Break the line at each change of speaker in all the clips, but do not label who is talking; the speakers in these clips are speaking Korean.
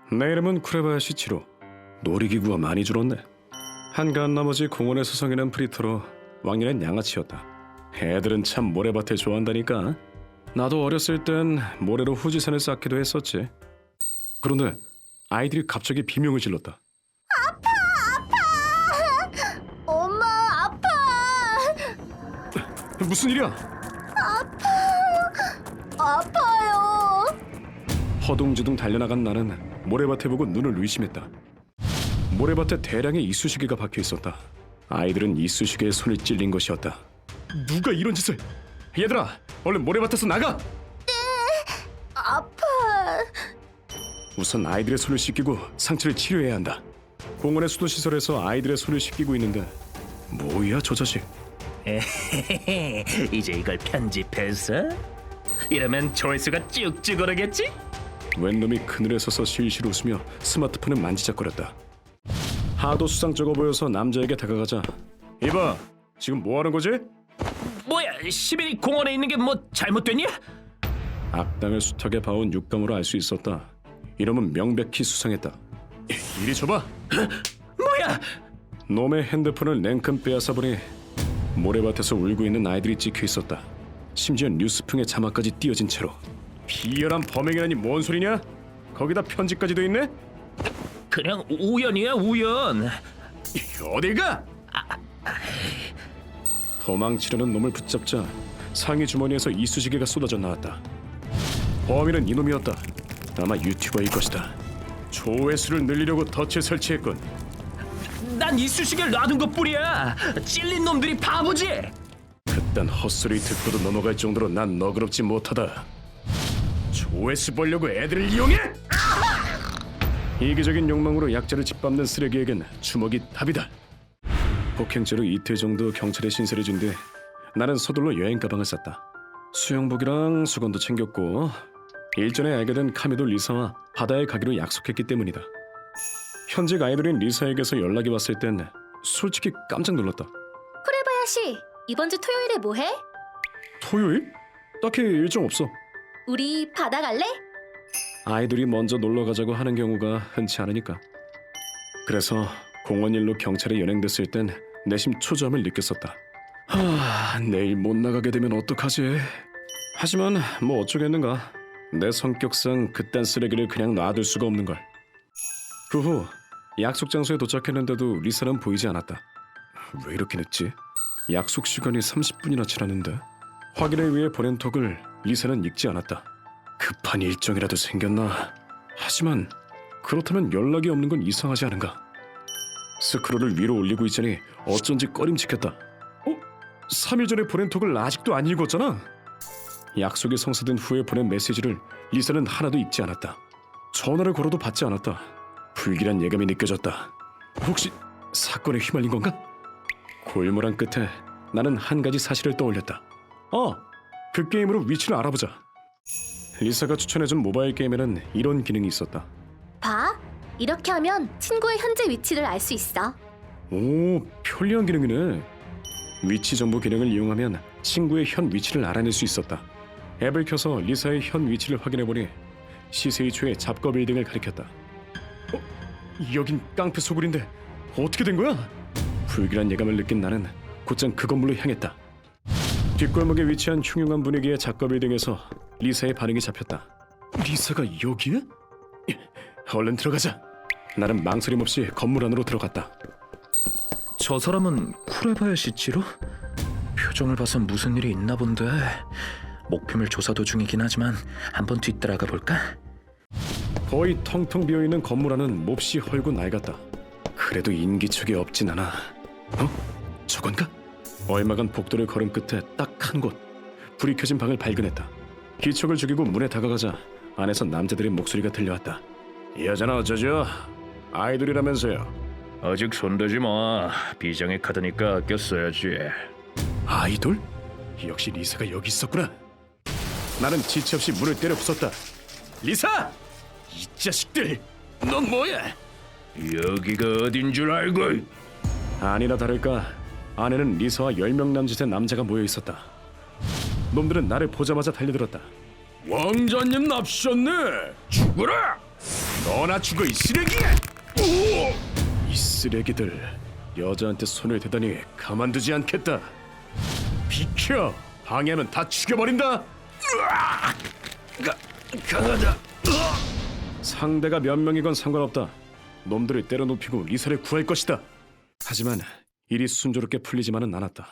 내 이름은 쿠레바야시 치로. 놀이기구가 많이 줄었네. 한가한 나머지 공원에 서성이는 프리터로 왕년엔 양아치였다. 애들은 참 모래밭을 좋아한다니까. 나도 어렸을 땐 모래로 후지산을 쌓기도 했었지. 그런데 아이들이 갑자기 비명을 질렀다.
엄마, 아파!
무슨 일이야?
아파요!
허둥지둥 달려나간 나는 모래밭에 보고 눈을 의심했다. 모래밭에 대량의 이쑤시개가 박혀 있었다. 아이들은 이쑤시개에 손이 찔린 것이었다. 누가 이런 짓을? 얘들아, 얼른 모래밭에서 나가!
아파!
우선 아이들의 손을 씻기고 상처를 치료해야 한다. 공원의 수도시설에서 아이들의 손을 씻기고 있는데 뭐야 저 자식?
이제 이걸 편집해서 이러면 조회수가 쭉쭉 오르겠지?
웬 놈이 그늘에 서서 실실 웃으며 스마트폰을 만지작거렸다. 하도 수상쩍어 보여서 남자에게 다가가자. 이봐, 지금 뭐 하는 거지?
뭐야, 시민이 공원에 있는 게 뭐 잘못됐냐?
악당을 숱하게 봐온 육감으로 알 수 있었다. 이놈은 명백히 수상했다. 이리 줘봐.
뭐야?
놈의 핸드폰을 냉큼 빼앗아 보니 모래밭에서 울고 있는 아이들이 찍혀 있었다. 심지어 뉴스풍의 자막까지 띄어진 채로. 비열한 범행이라니 뭔 소리냐? 거기다 편지까지 돼 있네?
그냥 우연이야, 우연.
어딜 가? 도망치려는 놈을 붙잡자 상의 주머니에서 이쑤시개가 쏟아져 나왔다. 범인은 이놈이었다. 아마 유튜버일 것이다. 조회수를 늘리려고 덫을 설치했군.
난 이쑤시개를 놔둔 것뿐이야. 찔린 놈들이 바보지.
그딴 헛소리 듣고도 넘어갈 정도로 난 너그럽지 못하다. 조회수 벌려고 애들을 이용해? 이기적인 욕망으로 약자를 짓밟는 쓰레기에겐 주먹이 답이다. 폭행죄로 이틀 정도 경찰에 신설해준 뒤 나는 서둘러 여행 가방을 쌌다. 수영복이랑 수건도 챙겼고 일전에 알게 된 카미도 리사와 바다에 가기로 약속했기 때문이다. 현직 아이돌인 리사에게서 연락이 왔을 땐 솔직히 깜짝 놀랐다.
쿠레바야시, 이번 주 토요일에 뭐해?
토요일? 딱히 일정 없어.
우리 바다 갈래?
아이돌이 먼저 놀러 가자고 하는 경우가 흔치 않으니까. 그래서 공원 일로 경찰에 연행됐을 땐 내심 초조함을 느꼈었다. 내일 못 나가게 되면 어떡하지? 하지만 뭐 어쩌겠는가. 내 성격상 그딴 쓰레기를 그냥 놔둘 수가 없는 걸. 그 후 약속 장소에 도착했는데도 리사는 보이지 않았다. 왜 이렇게 늦지? 약속 시간이 30분이나 지났는데. 확인을 위해 보낸 톡을 리사는 읽지 않았다. 급한 일정이라도 생겼나? 하지만 그렇다면 연락이 없는 건 이상하지 않은가? 스크롤을 위로 올리고 있자니 어쩐지 꺼림칙했다. 3일 전에 보낸 톡을 아직도 안 읽었잖아? 약속이 성사된 후에 보낸 메시지를 리사는 하나도 읽지 않았다. 전화를 걸어도 받지 않았다. 불길한 예감이 느껴졌다. 혹시 사건에 휘말린 건가? 골몰한 끝에 나는 한 가지 사실을 떠올렸다. 그 게임으로 위치를 알아보자. 리사가 추천해준 모바일 게임에는 이런 기능이 있었다.
봐, 이렇게 하면 친구의 현재 위치를 알 수 있어.
오, 편리한 기능이네. 위치 정보 기능을 이용하면 친구의 현 위치를 알아낼 수 있었다. 앱을 켜서 리사의 현 위치를 확인해보니 시세이초의 잡거 빌딩을 가리켰다. 여긴 깡패 소굴인데 어떻게 된 거야? 불길한 예감을 느낀 나는 곧장 그 건물로 향했다. 뒷골목에 위치한 흉흉한 분위기의 잡거 빌딩에서 리사의 반응이 잡혔다. 리사가 여기에? 얼른 들어가자. 나는 망설임 없이 건물 안으로 들어갔다.
저 사람은 쿠레바야시 치로? 표정을 봐선 무슨 일이 있나 본데. 목표물 조사 도중이긴 하지만 한번 뒤따라가 볼까?
거의 텅텅 비어있는 건물 안은 몹시 헐고 낡았다. 그래도 인기척이 없진 않아. 저건가? 얼마간 복도를 걸은 끝에 딱 한 곳 불이 켜진 방을 발견했다. 기척을 죽이고 문에 다가가자 안에서 남자들의 목소리가 들려왔다. 여자는 어쩌죠? 아이돌이라면서요.
아직 손대지 마. 비장의 카드니까 아껴 써야지.
아이돌? 역시 리사가 여기 있었구나. 나는 지체 없이 문을 때려 부쉈다. 리사! 이 자식들!
넌 뭐야? 여기가 어딘 줄 알고?
아니나 다를까 안에는 리사와 10명 남짓의 남자가 모여 있었다. 놈들은 나를 보자마자 달려들었다.
왕자님 납셨네. 죽어라.
너나 죽어 이 쓰레기야! 이 쓰레기들 여자한테 손을 대다니 가만두지 않겠다. 비켜! 방해하면 다 죽여버린다. 강하다. 상대가 몇 명이건 상관없다. 놈들을 때려눕히고 리사를 구할 것이다. 하지만 일이 순조롭게 풀리지만은 않았다.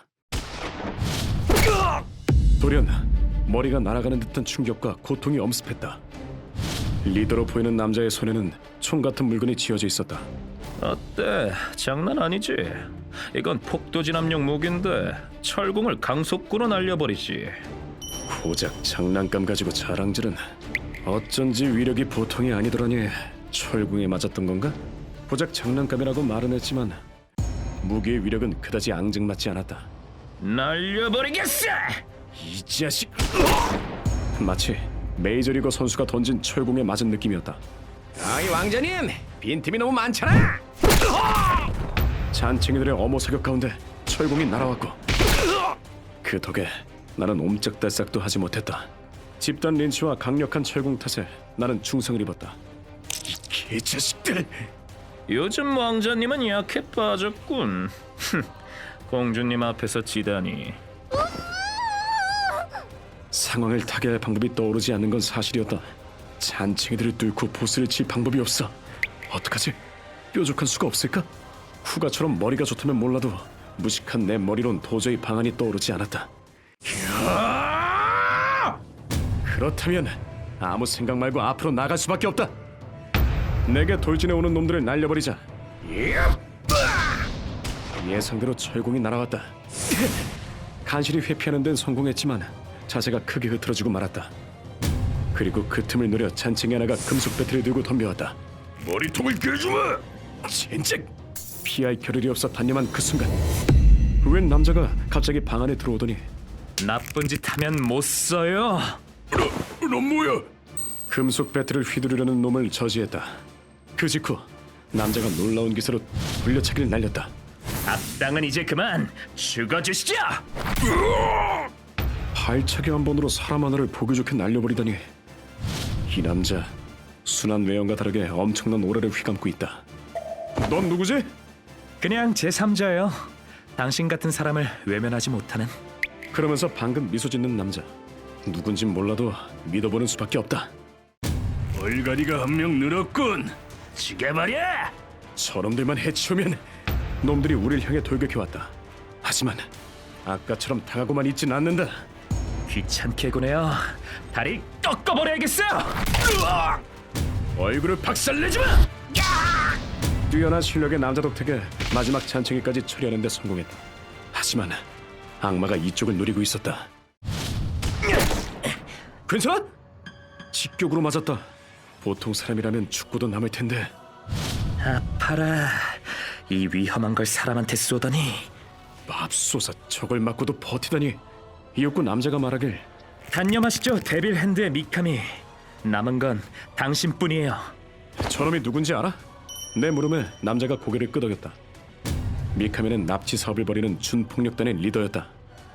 돌연 머리가 날아가는 듯한 충격과 고통이 엄습했다. 리더로 보이는 남자의 손에는 총 같은 물건이 쥐어져 있었다.
어때? 장난 아니지? 이건 폭도진압용 무기인데 철공을 강속구로 날려버리지.
고작 장난감 가지고 자랑질은 어쩐지 위력이 보통이 아니더라니. 철궁에 맞았던 건가? 고작 장난감이라고 말은 했지만 무기의 위력은 그다지 앙증맞지 않았다.
날려버리겠어!
이 자식! 마치 메이저리거 선수가 던진 철궁에 맞은 느낌이었다. 아이 왕자님! 빈틈이 너무 많잖아! 잔챙이들의 어머 사격 가운데 철궁이 날아왔고 그 덕에 나는 옴짝달싹도 하지 못했다. 집단 린치와 강력한 철궁 탓에 나는 충성을 입었다. 이 개자식들!
요즘 왕자님은 약해 빠졌군. 공주님 앞에서 지다니.
상황을 타개할 방법이 떠오르지 않는 건 사실이었다. 잔챙이들을 뚫고 보스를 칠 방법이 없어. 어떡하지? 뾰족한 수가 없을까? 후가처럼 머리가 좋다면 몰라도 무식한 내 머리론 도저히 방안이 떠오르지 않았다. 그렇다면 아무 생각 말고 앞으로 나갈 수밖에 없다. 내게 돌진해 오는 놈들을 날려버리자. 예상대로 철공이 날아왔다. 간신히 회피하는 데는 성공했지만 자세가 크게 흐트러지고 말았다. 그리고 그 틈을 노려 잔챙이 하나가 금속 배틀을 들고 덤벼왔다. 머리통을 깨주마! 진짜 피할 겨를이 없어 단념한 그 순간 웬 남자가 갑자기 방 안에 들어오더니
나쁜 짓 하면 못 써요.
넌 뭐야? 금속 배틀을 휘두르려는 놈을 저지했다. 그 직후 남자가 놀라운 기세로 돌려차기를 날렸다.
악당은 이제 그만 죽어주시죠.
발차기 한 번으로 사람 하나를 보기 좋게 날려버리다니. 이 남자 순한 외형과 다르게 엄청난 오라를 휘감고 있다. 넌 누구지?
그냥 제3자예요. 당신 같은 사람을 외면하지 못하는.
그러면서 방금 미소 짓는 남자. 누군진 몰라도 믿어보는 수밖에 없다. 얼갈이가 한 명 늘었군.
죽여버려!
저놈들만 해치우면 놈들이 우릴 향해 돌격해왔다. 하지만 아까처럼 당하고만 있진 않는다.
귀찮게 구네요. 다리 꺾어버려야겠어요.
얼굴을 박살내지 마! 뛰어난 실력의 남자 덕택에 마지막 잔챙이까지 처리하는 데 성공했다. 하지만 악마가 이쪽을 노리고 있었다. 괜찮아? 직격으로 맞았다. 보통 사람이라면 죽고도 남을 텐데.
아파라. 이 위험한 걸 사람한테 쏘다니.
맙소사, 저걸 맞고도 버티다니. 이윽고 남자가 말하길.
단념하시죠, 데빌 핸드의 미카미. 남은 건 당신뿐이에요.
저놈이 누군지 알아? 내 물음에 남자가 고개를 끄덕였다. 미카미는 납치 사업을 벌이는 준폭력단의 리더였다.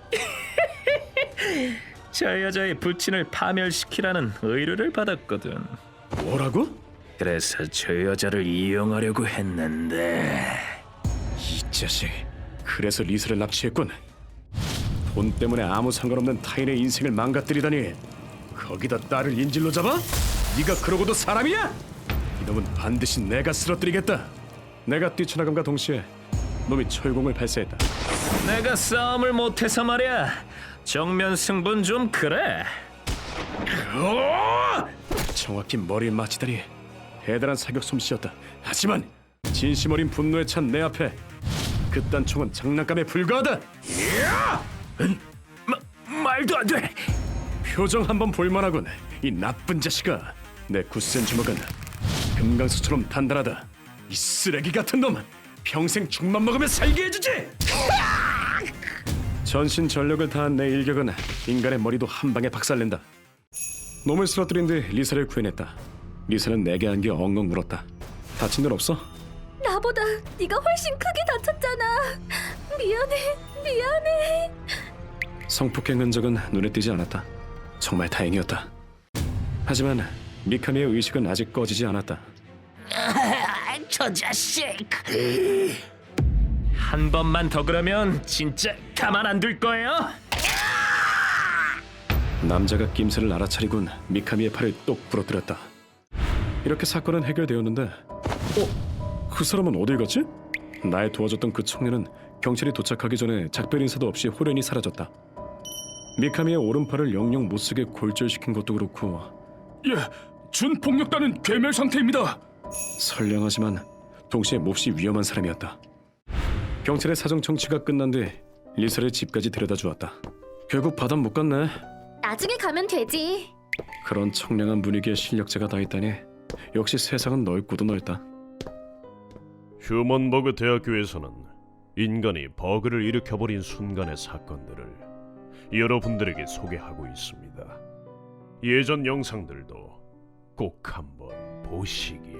저 여자의 부친을 파멸시키라는 의뢰를 받았거든.
뭐라고?
그래서 저 여자를 이용하려고 했는데.
이 자식, 그래서 리사를 납치했군. 돈 때문에 아무 상관없는 타인의 인생을 망가뜨리다니. 거기다 딸을 인질로 잡아? 네가 그러고도 사람이야? 이놈은 반드시 내가 쓰러뜨리겠다. 내가 뛰쳐나감과 동시에 놈이 철공을 발사했다.
내가 싸움을 못해서 말이야. 정면 승부는 좀 그래.
정확히 머리에 맞히다니. 대단한 사격 솜씨였다. 하지만 진심 어린 분노에 찬 내 앞에 그딴 총은 장난감에 불과하다.
말도 안 돼.
표정 한번 볼만하군. 이 나쁜 자식아. 내 굳센 주먹은 금강수처럼 단단하다. 이 쓰레기 같은 놈, 평생 죽만 먹으면 살게 해주지. 전신 전력을 다한 내 일격은 인간의 머리도 한 방에 박살낸다. 놈을 쓰러뜨린 뒤 리사를 구해냈다. 리사는 내게 안겨 엉엉 울었다. 다친 일 없어?
나보다 네가 훨씬 크게 다쳤잖아. 미안해.
성폭행 흔적은 눈에 띄지 않았다. 정말 다행이었다. 하지만 미카미의 의식은 아직 꺼지지 않았다.
저 자식.
한 번만 더 그러면 진짜 가만 안 둘 거예요.
남자가 낌새를 알아차리곤 미카미의 팔을 똑 부러뜨렸다. 이렇게 사건은 해결되었는데, 그 사람은 어딜 갔지? 날 도와줬던 그 청년은 경찰이 도착하기 전에 작별 인사도 없이 호련히 사라졌다. 미카미의 오른팔을 영영 못쓰게 골절시킨 것도 그렇고,
예, 준폭력단은 괴멸 상태입니다.
선량하지만 동시에 몹시 위험한 사람이었다. 경찰의 사정 청취가 끝난 뒤 리사를 집까지 데려다 주었다. 결국 바다 못 갔네.
나중에 가면 되지.
그런 청량한 분위기에 실력자가 다 있다니 역시 세상은 넓고도 넓다.
휴먼버그 대학교에서는 인간이 버그를 일으켜버린 순간의 사건들을 여러분들에게 소개하고 있습니다. 예전 영상들도 꼭 한번 보시기